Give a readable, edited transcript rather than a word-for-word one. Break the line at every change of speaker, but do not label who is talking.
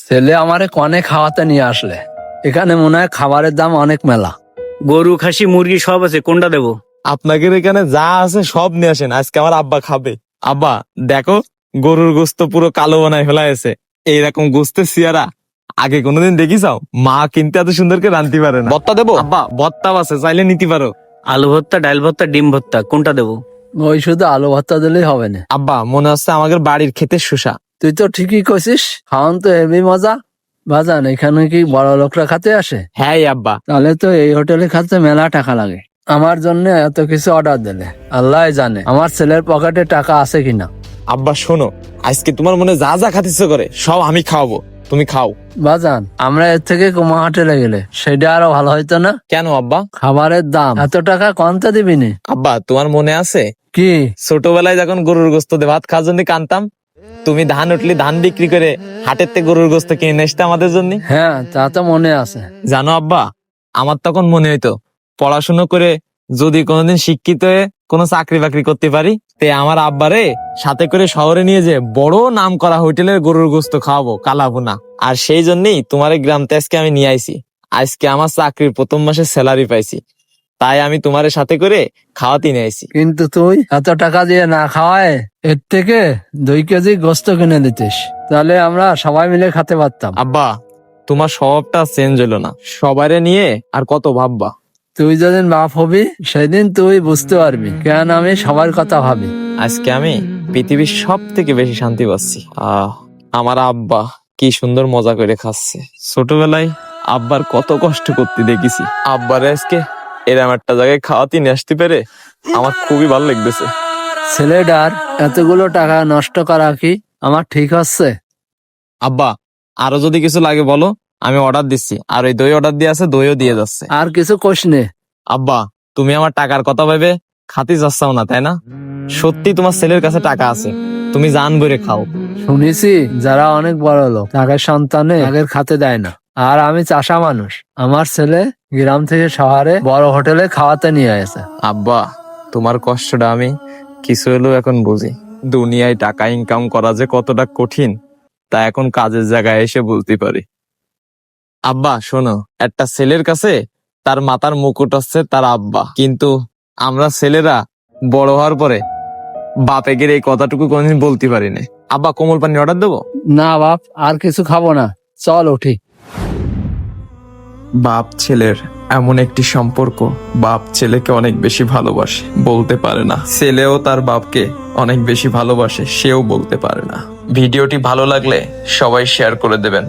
ছেলে আমারে কনে খাওয়াতে নিয়ে আসলে। এখানে মনে হয় খাবারের দাম অনেক মেলা।
গরু, খাসি, মুরগি সব আছে, কোনটা দেবো?
আপনাদের এখানে যা আছে সব নিয়ে আসেন, আজকে আমার আব্বা খাবে। আব্বা দেখো, গরুর গোস্ত পুরো কালো বানায় ফেলা হয়েছে। এইরকম গোস্তের সিয়ারা আগে কোনোদিন দেখিসাও? মা কিন্তু এত সুন্দর করে রাঁধতে পারে না। ভর্তা দেবো? আব্বা ভর্তাও আছে, চাইলে নিতে পারো।
আলু ভর্তা, ডাল ভর্তা, ডিম ভর্তা, কোনটা দেবো?
ওই শুধু আলু ভর্তা দিলেই হবে না।
আব্বা মনে হচ্ছে আমাদের বাড়ির ক্ষেতের শসা।
তুই তো ঠিকই কইছিস, খাওয়ান তো হেবি মজা। বাজান, এখানে কি বড় লোকরা খাতে আসে?
হ্যাঁ আব্বা।
তাহলে তো এই হোটেলে খাতে মেলা টাকা লাগে। আমার জন্য এত কিছু অর্ডার দিলে আল্লাহ জানে আমার ছেলের পকেটে টাকা আছে কিনা।
আব্বা শোনো, আজকে তোমার মনে যা যা খাতে ইচ্ছে করে সব আমি খাওয়াবো, তুমি খাও।
বাজান, আমরা এর থেকে কুমা হোটেলে গেলে সেটা আরো ভালো হইতো না?
কেন আব্বা?
খাবারের দাম এত টাকা কমতে দিবি নি?
আব্বা তোমার মনে আছে
কি?
ছোটবেলায় যখন গরুর গোস্ত দিয়ে ভাত খাওয়ার জন্য কানতাম, তুমি ধান উঠলি ধান বিক্রি করে হাটের থেকে গরুর গোস্ত কিনে নিয়ে আসতে আমাদের জন্য?
হ্যাঁ, তা তো মনে আছে।
জানো আব্বা, আমার তখন মনে হইতো পড়াশুনো করে যদি কোনোদিন শিক্ষিত হয়ে কোনো চাকরি বাকরি করতে পারি, তে আমার আব্বারে সাথে করে শহরে নিয়ে যে বড় নাম করা হোটেলের গরুর গোস্ত খাওয়াবো, কালাবো না। আর সেই জন্যই তোমার এই গ্রামতে আজকে আমি নিয়ে আইছি। আজকে আমার চাকরির প্রথম মাসে স্যালারি পাইছি, তাই আমি তোমার সাথে করে খাওয়াতে নিয়ে আইছি।
কিন্তু তুই এত টাকা দিয়ে না খাওয়ায় এর থেকে 2 কেজি গোস্ত কিনে দিতিস, তাহলে আমরা সবাই মিলে খেতে পারতাম।
আব্বা তোমার স্বভাবটা চেঞ্জ হলো না, সবাইরে নিয়ে আর কত ভাববা।
তুই যেদিন বাপ হবি সেদিন তুই বুঝতে পারবি কেন আমি সবার কথা ভাবি।
আজকে আমি পৃথিবীর সব থেকে বেশি শান্তি পাচ্ছি। আমার আব্বা কি সুন্দর মজা করে খাচ্ছে। ছোটবেলায় আব্বার কত কষ্ট করতে দেখেছি, আব্বারে আজকে এরম একটা জায়গায় খাওয়াতে নিয়ে আসতে পেরে আমার খুবই ভালো লাগতেছে।
ছেলেটার এতগুলো টাকা নষ্ট করা কি আমার ঠিক হচ্ছে?
আব্বা আরো যদি কিছু লাগে বলো, আমি অর্ডার দিচ্ছি। আর ওই দই অর্ডার দিয়ে আছে, দইও দিয়ে যাচ্ছে।
আর কিছু কোশ নে।
আব্বা তুমি আমার টাকার কথা ভেবে খাতে যাচ্ছাও না, তাই না? সত্যি তোমার ছেলের কাছে টাকা আছে, তুমি জান ভরে খাও।
শুনেছি যারা অনেক বড় লোক তাদের সন্তানে আগের খাতে দেয় না। আর আমি চাষা মানুষ, আমার ছেলে গ্রাম থেকে শহরে বড় হোটেলে খাওয়াতে নিয়ে আসে।
আব্বা তোমার কষ্টটা আমি কিছু হলেও এখন বুঝি। দুনিয়ায় টাকা ইনকাম করা যে কতটা কঠিন তা এখন কাজের জায়গায় এসে বুঝতে পারি। আব্বা শোনো, একটা ছেলের কাছে তার মাথার মুকুট হচ্ছে তার আব্বা, কিন্তু আমরা ছেলেরা বড় হওয়ার পরে বাপেগের এই কথাটুকু কোনদিন বলতে পারি না। আব্বা কোমল পানি অর্ডার দেবো?
না বাপ, আর কিছু খাবো না, চল উঠি।
বাপ ছেলের এমন একটি সম্পর্ক, বাপ ছেলেকে অনেক বেশি ভালোবাসে, বলতে পারে না। ছেলেও তার বাপকে অনেক বেশি ভালোবাসে, সেও বলতে পারে না। ভিডিওটি ভালো লাগলে সবাই শেয়ার করে দেবেন।